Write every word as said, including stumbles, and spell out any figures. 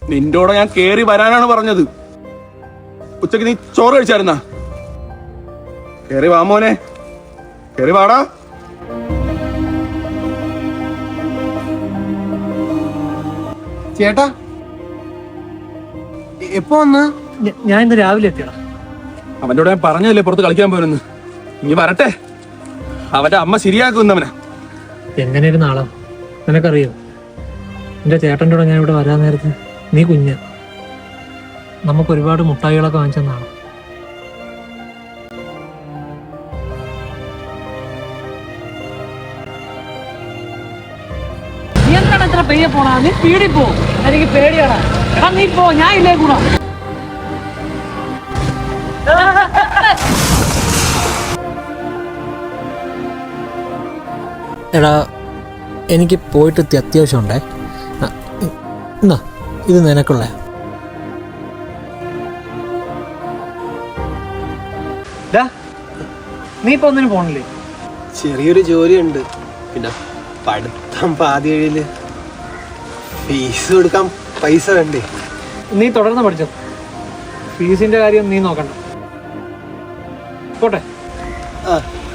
നിന്റോടെ ഞാൻ കേറി വരാനാണ് പറഞ്ഞത്. ഉച്ചക്ക് നീ ചോറ് കഴിച്ചായിരുന്നാ? കേറി വാ മോനെ, കേറി വാടാ. ചേട്ടാ എപ്പോ വന്ന്? ഞാൻ ഇന്ന് രാവിലെ എത്തിയടാ. അവന്റെ കൂടെ ഞാൻ പറഞ്ഞല്ലേ പുറത്ത് കളിക്കാൻ പോരെന്ന്. ഇനി വരട്ടെ, അവന്റെ അമ്മ ശരിയാക്കുന്നവനാ. എങ്ങനെയായിരുന്നു ആളാ നിനക്കറിയോ? എന്റെ ചേട്ടൻ്റെ കൂടെ ഞാൻ ഇവിടെ വരാൻ നേരത്ത് നീ കുഞ്ഞ, നമുക്ക് ഒരുപാട് മുട്ടായികളൊക്കെ വാങ്ങിച്ചെന്നാണ്. നീ എന്താണ് എത്ര പെയ്യ പോണാ? നീ സ്പീഡിൽ പോ, എനിക്ക് പേടിയാടാ. നീ പോ, ഞാൻ ഇല്ലേ കൂടാ. എടാ എനിക്ക് പോയിട്ട് അത്യാവശ്യമുണ്ടേ. എന്നാ ഇത് നിനക്കുള്ള. നീ ഇപ്പൊ ഒന്നിനും പോണില്ലേ? ചെറിയൊരു ജോലിയുണ്ട്, പിന്നെ പഠിത്തം പാതി കഴിയില്, ഫീസ് കൊടുക്കാൻ പൈസ വേണ്ടേ? നീ തുടർന്ന് പഠിച്ചോ, ഫീസിന്റെ കാര്യം നീ നോക്കണ്ട. പോട്ടെ. ആ